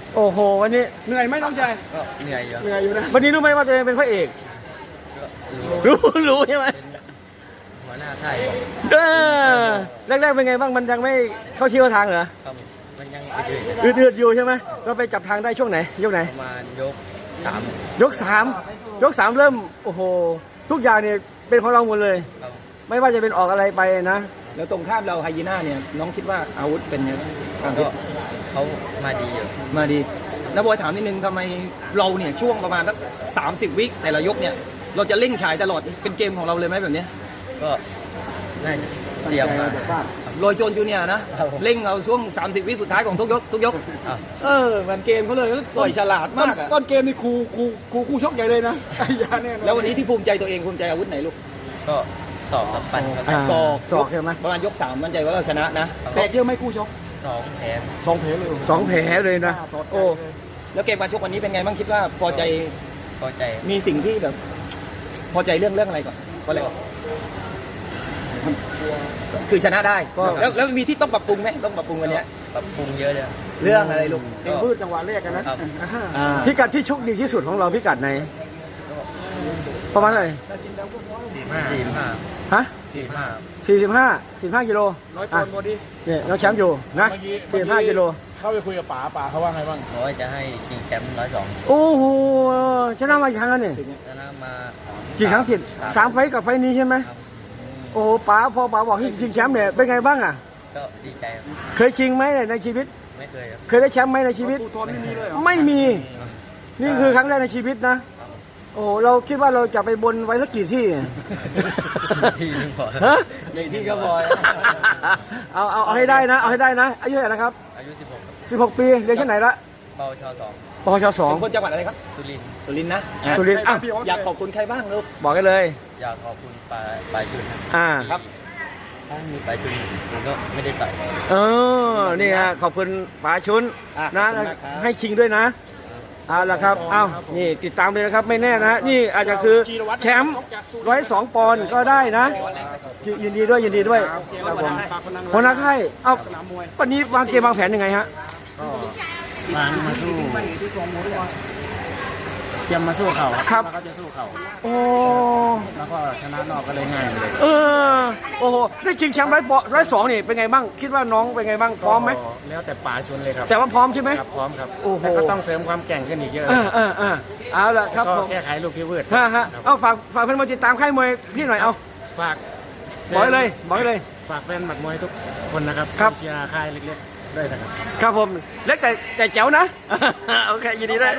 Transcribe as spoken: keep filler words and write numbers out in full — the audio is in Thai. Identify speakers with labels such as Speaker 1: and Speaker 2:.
Speaker 1: โอ้โหวันนี้
Speaker 2: เหนื่อยไหมน้องชาย
Speaker 3: ก็เหนื่อยอยู่
Speaker 2: เหนื่อยอยู่นะ
Speaker 1: วันนี้รู้ไหมว่าตัวเองเป็นพระเอก
Speaker 3: ก็รู้
Speaker 1: รู้รู้ใช่ไหม
Speaker 3: หัวหน้าค่ายบอก
Speaker 1: เออแรกๆเป็นไงบ้างมันยังไม่เข้าที่เข้าทางเหรอ
Speaker 3: ครับมันยังอื่น
Speaker 1: อืดๆอยู่ใช่ไหมก็ไปจับทางได้ช่วงไหนยกไหน
Speaker 3: ประมาณยกสาม
Speaker 1: ยกสามยกสามเริ่มโอ้โหทุกอย่างเนี่ยเป็นของเราหมดเลย
Speaker 3: ครับ
Speaker 1: ไม่ว่าจะเป็นออกอะไรไปนะ
Speaker 2: แล้วตรงข้ามเราไฮยีน่าเนี่ยน้องคิดว่าอาวุธเป็นไงบ้าง
Speaker 3: ก็เขามาดีอยู่
Speaker 2: มาดีแล้วบอยถามนิดนึงทำไมเราเนี่ยช่วงประมาณสักสามสิบวิแต่ละยกเนี่ยเราจะเร่งฉายตลอดเป็นเกมของเราเลยไหมแบบเนี้ย
Speaker 3: ก็น่าจะเตรียมมา
Speaker 2: โรยโจนจูเนียร์นะครับ
Speaker 3: ผม
Speaker 2: เร่งเอาช่วงสามสิบวิสุดท้ายของทุกยกทุกยก
Speaker 3: อ่ะ
Speaker 2: เออมันเกมเขาเลยต่อยฉลาดมากอะ
Speaker 4: ต้นเกมนี่ครูครูครูคู่ชกใหญ่เลยนะไอ้ยาแน่นอน
Speaker 2: แล้ววันนี้ที่ภูมิใจตัวเองภูมิใจอาวุธไหนลูก
Speaker 3: ก็สอบสับปันครับ
Speaker 1: อ่า
Speaker 2: ศอก
Speaker 1: ศอกใช่ไหม
Speaker 2: ประมาณยกสามมั่นใจว่าเราชนะนะ
Speaker 4: แตกเยอะไหมคู่ชก
Speaker 3: สองแผล
Speaker 4: สองเพลเลย
Speaker 1: สองแผลเลยนะโอ้
Speaker 2: แล้วเกมการชกวันนี้เป็นไงบ้างคิดว่าพอใจ
Speaker 3: พอใจ
Speaker 2: มีสิ่งที่แบบ พอใจเรื่องเรื่องอะไรก่อนก็เลยคือชนะได้แล้วแล้วมีที่ต้องปรับปรุงไหมต้องปรับปรุงวันเนี้ย
Speaker 3: ปรับปรุงเยอะเลย
Speaker 2: เรื่องอะไรลูก
Speaker 4: เองพืชจังหวะแรกกันนะครับ อ่า
Speaker 1: พิกัดที่ชกดีที่สุดของเราพิกัดไหนประมาณเท่าไหร่
Speaker 3: สี่ห้าสี่ห้า
Speaker 1: ฮะ
Speaker 3: สี่ห้า
Speaker 1: สี่สิบห้าสี่สิบห้ากิโล
Speaker 4: ร้อยป
Speaker 1: อ่ะ
Speaker 4: อนด์พอดี
Speaker 1: เนี่ยเราแชมป์อยู่นะ
Speaker 4: เมื่อกี้
Speaker 1: สี่สิบห้ากิโล
Speaker 4: เข้าไปคุยกับป๋าป๋าเขาว่าไงบ้าง
Speaker 3: บอกว่าจะให้ชิงแชมป์ร้อยสอง
Speaker 1: โอ้โหชนะมากี่ครั้งแล้วเนี่ย
Speaker 3: ชนะมา
Speaker 1: กี่ครั้งติดสามไฟต์กับไฟต์นี้ใช่ไหม
Speaker 3: ครับ
Speaker 1: โอ้โหป๋าพอป๋าบอกให้ชิงแชมป์เนี่ยเป็นไงบ้างอ่ะ
Speaker 3: ก็ดีใจครับ
Speaker 1: เคยชิงไหมในชีวิต
Speaker 3: ไม่เคยครับ
Speaker 1: เคยได้แชมป์ไหมในชีวิต
Speaker 4: ปูทอนไม่มีเลยเหรอ
Speaker 1: ไม่มี นี่คือครั้งแรกในชีวิตนะ โอ้โหเราคิดว่าเราจะไปบนไว้สักกี่ที่
Speaker 3: ที่หนึงพอ
Speaker 1: ฮะ
Speaker 3: ใหญ่ที่ก็พอ
Speaker 1: เอาเอาเอาให้ได้นะ เอาให้ได้นะ อายุเท่าไหร่นะครับ
Speaker 3: อายุสิบหกครับ
Speaker 1: สิบหกปีเรียนชั้นไหนละ
Speaker 3: เบาชอสอง
Speaker 1: ปชสอง
Speaker 2: เป็นคนจังหวัดอะไรครับ
Speaker 3: สุรินทร์
Speaker 2: สุรินทร์นะ
Speaker 1: สุรินทร์อ่ะ
Speaker 2: อยากขอบคุณใครบ้างลูก
Speaker 1: บอกกันเลย
Speaker 3: อยากขอบคุณปลาปลายจุน
Speaker 1: อ่า
Speaker 3: ครับถ้ามีปลายจุนผมก็ไม่ได้ต่อย
Speaker 1: เออ นี่ฮะ ขอบคุณป๋าชุน
Speaker 2: อ่ะ
Speaker 1: นะ
Speaker 2: ขอบคุณมากครับ
Speaker 1: ให้ชิงด้วยนะ เอาละครับ เอ้า นี่ติดตามเลยนะครับ ไม่แน่นะ นี่อาจจะคือแชมป์ร้อยสองปอนด์ก็ได้นะ ยินดีด้วย ยินดีด้วยครับผมหัวหน้าค่ายเอ้า
Speaker 4: สนามมวย
Speaker 1: วันนี้วางเกมวางแผนยังไงฮะ
Speaker 4: วางมาสู้เตรียมมาสู้เขา
Speaker 1: ครับ
Speaker 4: แล้วก็จะสู้เขา
Speaker 1: โอ้
Speaker 4: แล้วก็ชนะนอกก็เลยง่ายเลย
Speaker 1: เออ โอ้โห ได้ชิงแชมป์ร้อยปอนด์ร้อยสองนี่เป็นไงบ้าง คิดว่าน้องเป็นไงบ้าง พร้อมไหม
Speaker 4: แล้วแต่ป๋าชวนเลยครับ
Speaker 1: แต่ว่าพร้อมใช่ไหม
Speaker 4: ครับพร้อมครับ
Speaker 1: โอ้โห
Speaker 4: แต่ก็ต้องเสริมความแกร่งขึ้นอีกเยอะ
Speaker 1: เออเออเออเอาละครับ
Speaker 4: ก็
Speaker 1: ผม
Speaker 4: แก้ไขลูกพี่วืด
Speaker 1: ฮะฮะเอาฝากฝากเพื่อนมาติดตามค่ายมวยพี่หน่อยเอา
Speaker 4: ฝาก
Speaker 1: บอกให้เลยบอกให้เลย
Speaker 4: ฝากแฟนหมัดมวยทุกคนนะครับ
Speaker 1: ครับ
Speaker 4: เชียร์ค่ายเล็กๆด้วยนะครับ
Speaker 1: ครับผมเล็กแต่แต่แจ๋วนะ โอเคยินดีด้วย